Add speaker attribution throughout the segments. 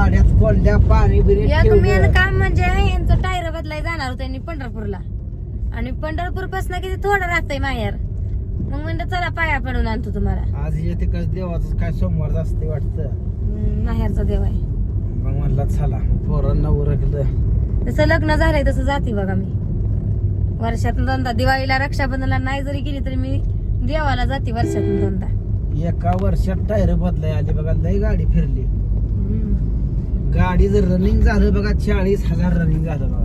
Speaker 1: गाड्यात कोल्ड्या पाणी बिरी
Speaker 2: एक मेन काम म्हणजे यांचं टायर बदलाय जाणार होतं त्यांनी पंढरपूरला, आणि पंढरपूर पासून किती थोडं राहतंय माहेर. मग म्हणलं चला पाया पडून आणतो तुम्हाला.
Speaker 1: आज येते कस देवाचं काय सोमवार असते वाटतं,
Speaker 2: माहेरचा देव आहे.
Speaker 1: मग म्हणलं चला पोरांना उरकलं.
Speaker 2: जसं लग्न झालंय तसं जाते बघा मी वर्षातून दोनदा. दिवाळीला रक्षाबंधनला नाही जरी गेली तरी मी देवाला जाते वर्षातून दोनदा.
Speaker 1: एका वर्षात टायर बदलाय आली बघा, लय गाडी फिरली. गाडी जर रनिंग झालं बघा 40,000 रनिंग झालं बघा.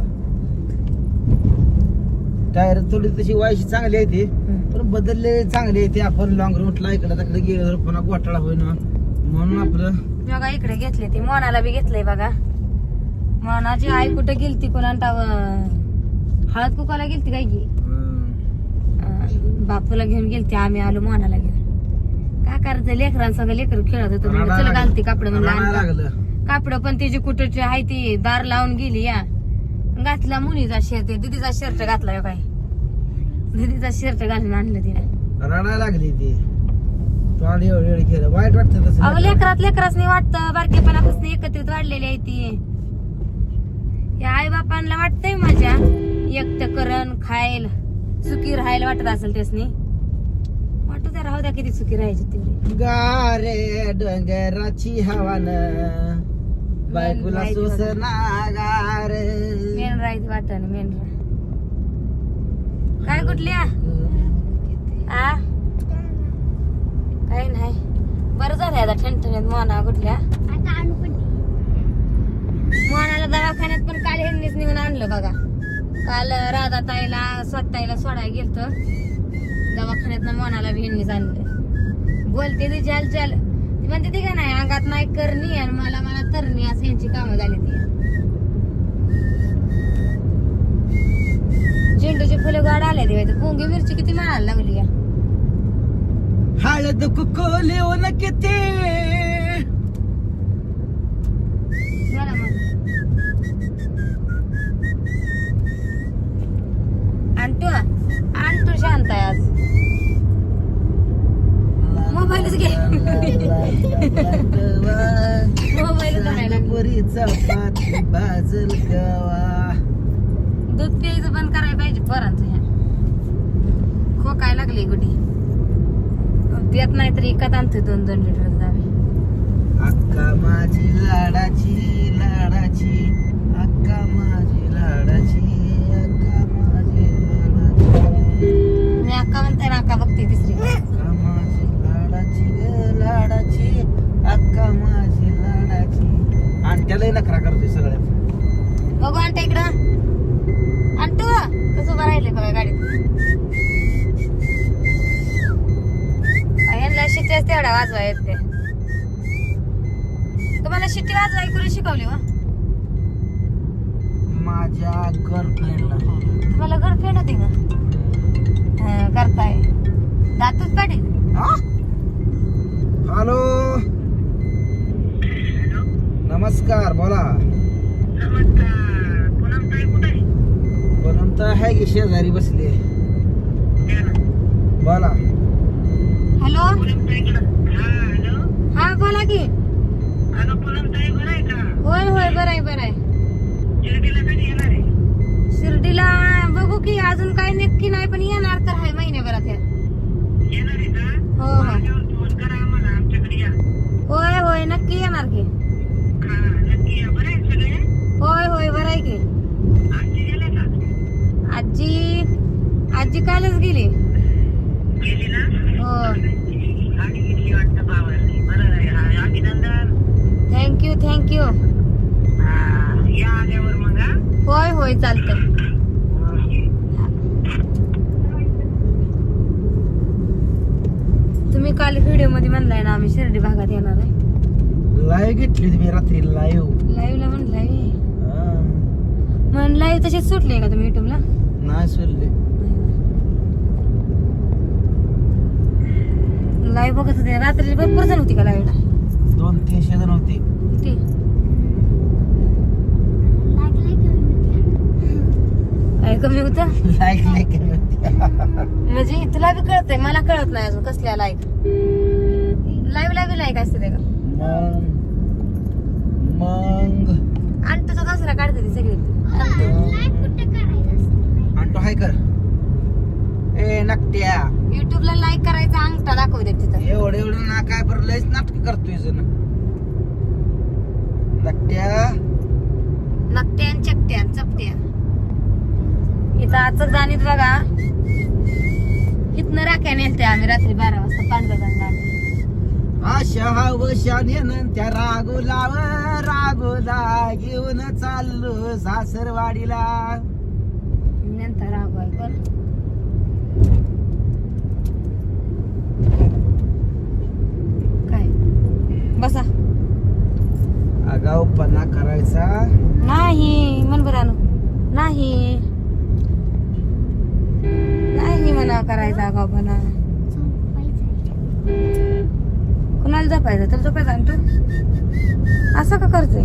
Speaker 1: टायर थोडी तशी व्हायची चांगली आहे ती, पण बदलले चांगली आहे ती. आपण लॉंग रूटला इकडे तिकडे गेलो तर पुन्हा घोटाळा होईना म्हणून आपलं
Speaker 2: बघा इकडे घेतले ते. मोनाला बी घेतलंय बघा. मोनाची आई कुठे गेलती कोणा हळद कुकाला गेलती काय की बापूला घेऊन गेलती. आम्ही आलो मोनाला घेऊन. काय करायचं लेकरांसंग लेकर खेळत होतो म्हणलं चला घालते कापड म्हणलं. कापड पण तिची कुठची आहे ती दार लावून गेली या. घातला मुलीचा शर्ट, दिदीचा शर्ट घातला काय, दिदीचा शर्ट घालून आणलं तिने.
Speaker 1: रडायला लागली ती. वाईट वाटतं तसं.
Speaker 2: अहो लेकराच नाही वाटतं. बारकेपणापासून एकत्रित वाढलेली आहे ती. या आई बापांना वाटतंय माझ्या एकटं करण खायला सुखी राहायला वाटत असेल त्यासनी. वाटू द्या, राहू द्या, किती सुखी राहायची तेवढी.
Speaker 1: गारे डोंगराची हवान बायकोला सोसना गार.
Speaker 2: मेन राहायची वाटत मेन राह. काय कुठल्या आ काही नाही. बरं झालंय आता ठणठणीत मोना कुठल्या. मोनाला दवाखान्यात पण काल ह्यांनीच नेऊन आणलं बघा. काल राधा ताईला स्वतःला सोडायला गेलतो दवाखान्यात. मोनाला बी ह्यांनीच आणलं. बोलते ती चाल चाल ती म्हणते ती का नाही अंगात नाही करणी आणि मला तरणी असं यांची कामं झाली ती. झेंडूची फुलं गाड आले ते. पोंगी मिरची किती माळायला लागली का.
Speaker 1: हळद कुकोले ओ न किती
Speaker 2: झाला मग. आणतो शांत आहे आज. मोबाईलच घे. मोबाईल करायला
Speaker 1: बाजल गवा.
Speaker 2: दूध प्यायचं बंद करायला पाहिजे पोरांचं. ह्या खोकाय लागली गुडी देत नाही तरी इकत आणतो 2-2 लिटर जावे.
Speaker 1: अक्का माझी लाडाची लाडाची अक्का माझी लाडाची अक्का माझी लाडाची.
Speaker 2: मी अक्का म्हणते ना अक्का बघते तिसरी.
Speaker 1: अक्का माझी लाडाची ग लाडाची अक्का माझी लाडाची. आणि त्यालाही नखरा करतोय सगळ्यात.
Speaker 2: बघू आणतो इकडं. आणतो कसं उभं राहिले बघा गाडीत. यांना शिट्ट्याच तेवढा वाजवा येत ते. तुम्हाला शिट्टी वाजवाय कुणी शिकवली वा.
Speaker 1: माझ्या गर्लफ्रेंडला.
Speaker 2: तुम्हाला गर्लफ्रेंड होती का. करताय दातच पाटील.
Speaker 1: हॅलो नमस्कार बोला. पूनम तर आहे की शेजारी बसली. बोला.
Speaker 2: हॅलो हा बोला की. होय होय बरं आहे. शिर्डीला बघू की अजून काही नक्की नाही पण येणार तर आहे महिन्याभरात. हो होय होय नक्की येणार की. होय बरं आहे की. आजी कालच गेली. हो थँक्यू. होय चालतंय. तुम्ही काल व्हिडिओ मध्ये म्हणलाय ना आम्ही शिर्डी भागात येणार आहे.
Speaker 1: लाईव्ह घेतली तुम्ही रात्री
Speaker 2: लाईव्हला म्हणलाय लाईव्ह तशीच सुटली का तुम्ही युट्यूबला.
Speaker 1: नाही सोडली.
Speaker 2: लाईव्ह बघत होते रात्री भरपूर जण होती का लाईव्हला.
Speaker 1: 200-300 जण होते.
Speaker 2: काय कमी होत.
Speaker 1: लाईक
Speaker 2: म्हणजे तुला बी कळतंय मला कळत नाही अजून कसल्या लाईक. लाईव्ह बी लाईक असते का.
Speaker 1: मग
Speaker 2: आणि तुझा दसरा काढते ती सगळी
Speaker 1: आणि तो हाय कर ए नकट्या
Speaker 2: युट्यूबला लाईक करायचा अंगठा दाखवते तिथं.
Speaker 1: एवढं ना काय बरं लयच नाटक करतोय जण नकट्या
Speaker 2: नकट्या आणि चकट्या चपट्या. इथं आचक जाणीत बघा इथनं राख्या नेलते आम्ही रात्री 12 वाजता पांडुरंगाला.
Speaker 1: आशा वशानेनं त्या रागोला घेऊन चाललो सासरवाडीला.
Speaker 2: नंतर रागू आहे पण काय बसा
Speaker 1: आगाऊपणा करायचा
Speaker 2: नाही मन बरं नाही नाही म्हणा करायचा गावपणा. कुणाला झोपायचं तर झोपायचं आणि तू असं का करतोय.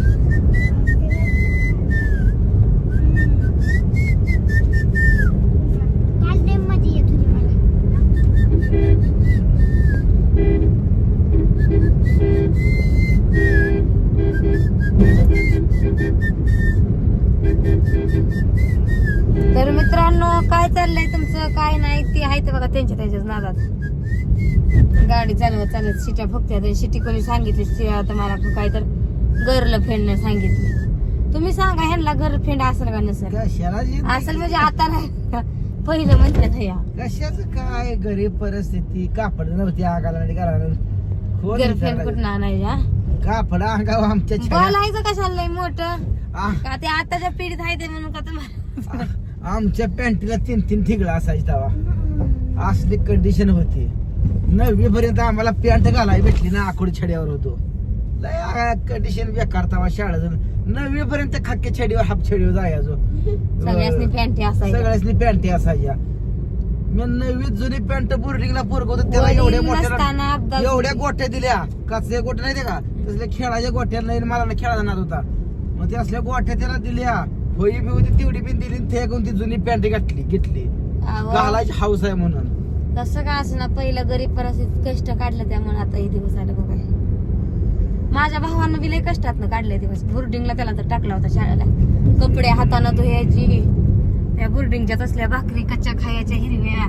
Speaker 2: तर मित्रांनो काय चाललंय तुमचं काय नाही ते आहे ते बघा त्यांच्याच नादात. गाडी चालवत शिट्या फुकत्यात. शिटी कोणी सांगितली आता मला काय तर गर्लफ्रेंड सांगितली. तुम्ही सांगा ह्यांना गर्लफ्रेंड असेल का नसेल. असेल म्हणजे आता नाही पहिलं म्हणतात या
Speaker 1: कशाच काय गरीब परिस्थिती कापड नव्हती आगाला
Speaker 2: गर्लफ्रेंड कुठं आणायच्या.
Speaker 1: कापड अंगावर आमच्या
Speaker 2: बोलायचं कशाला लय मोठं का ते आताच्या पिढीत आहे ते म्हणून का तुम्हाला.
Speaker 1: आमच्या पॅन्टीला 3 ठिगळा असायची तेव्हा असली कंडिशन होती. 9वी पर्यंत आम्हाला पॅन्ट घालायला भेटली ना आकुड छड्यावर होतो. लय कंडिशन बेकार तेव्हा शाळेत. 9वी पर्यंत खाक्या छडीवर हाफ छडीवर जायचो.
Speaker 2: सगळ्यासनी पॅन्टी असायच्या.
Speaker 1: सगळ्यासनी पॅन्टी असायच्या. मी 9वी जुनी पॅन्ट बोर्डिंगला पोरग होतो त्याला एवढ्या मोठ्या एवढ्या गोट्या दिल्या. काचल्या गोट्या नाही का तसल्या खेळाच्या गोट्या नाही मला ना खेळायला नाद होता. मग ते असल्या गोट्या त्याला दिल्या. होई बी होती तेवढी बी दिली. ते ती जुनी पॅन्ट घेतली घालायची हाऊस आहे म्हणून.
Speaker 2: कसं का असं ना पहिलं गरीब परिस्थितीत कष्ट काढलं त्यामुळे आता हे दिवस आले बघा. माझ्या भावानं बी लय कष्टात काढले दिवस. बोर्डिंगला त्याला तर टाकला होता शाळेला. कपडे हातानं धुयाची त्या बोर्डिंगच्या तसल्या भाकरी कच्च्या खायच्या हिरव्या.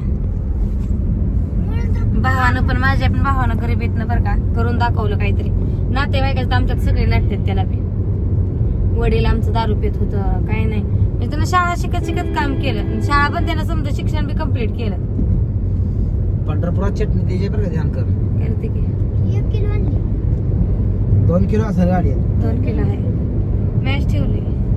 Speaker 2: भावानं पण माझ्या पण भावानं गरिबीतनं बरं का करून दाखवलं काहीतरी. नातेवाईकाचं आमच्यात सगळे नाटतात त्याला बी. वडील आमचं दारू पित होतं काय नाही म्हणजे त्यानं शाळा शिकत काम केलं. शाळा पण त्यानं समजा शिक्षण बी कम्प्लीट केलं.
Speaker 1: पंढरपुरात चटणी त्याच्या बरं का ध्यान कर.
Speaker 2: करते की
Speaker 1: 2 किलो असेल गाडी
Speaker 2: 2 किलो आहे. मॅच ठेवली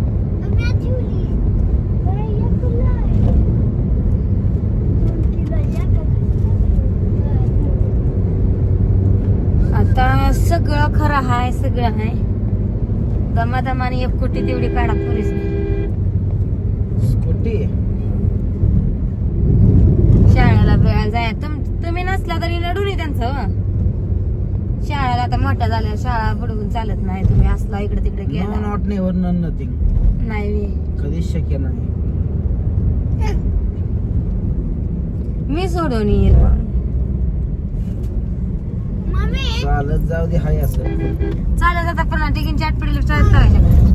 Speaker 2: आता सगळं खरं आहे सगळं आहे. दमादमाने 1 कोटी तेवढी काढा पुरेच
Speaker 1: स्कूटी
Speaker 2: शाळेला जाय. तुम्ही नसला तरी नडून आहे त्यांचं. शाळेला आता मोठ्या झाल्या शाळा बुडवून चालत नाही. तुम्ही असला इकडे तिकडे गेला
Speaker 1: नॉट नेव्हर नन नथिंग
Speaker 2: नाही
Speaker 1: कधीच शक्य नाही.
Speaker 2: मी सोडून येईल
Speaker 1: चालत जाऊ दे हाय असं
Speaker 2: चालत आता पण टिकीन चाट पडली चालत करायच्या.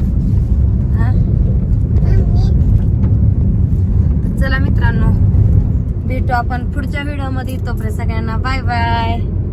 Speaker 2: चला मित्रांनो भेटू आपण पुढच्या व्हिडिओ मध्ये. तोपर्यंत सगळ्यांना बाय बाय.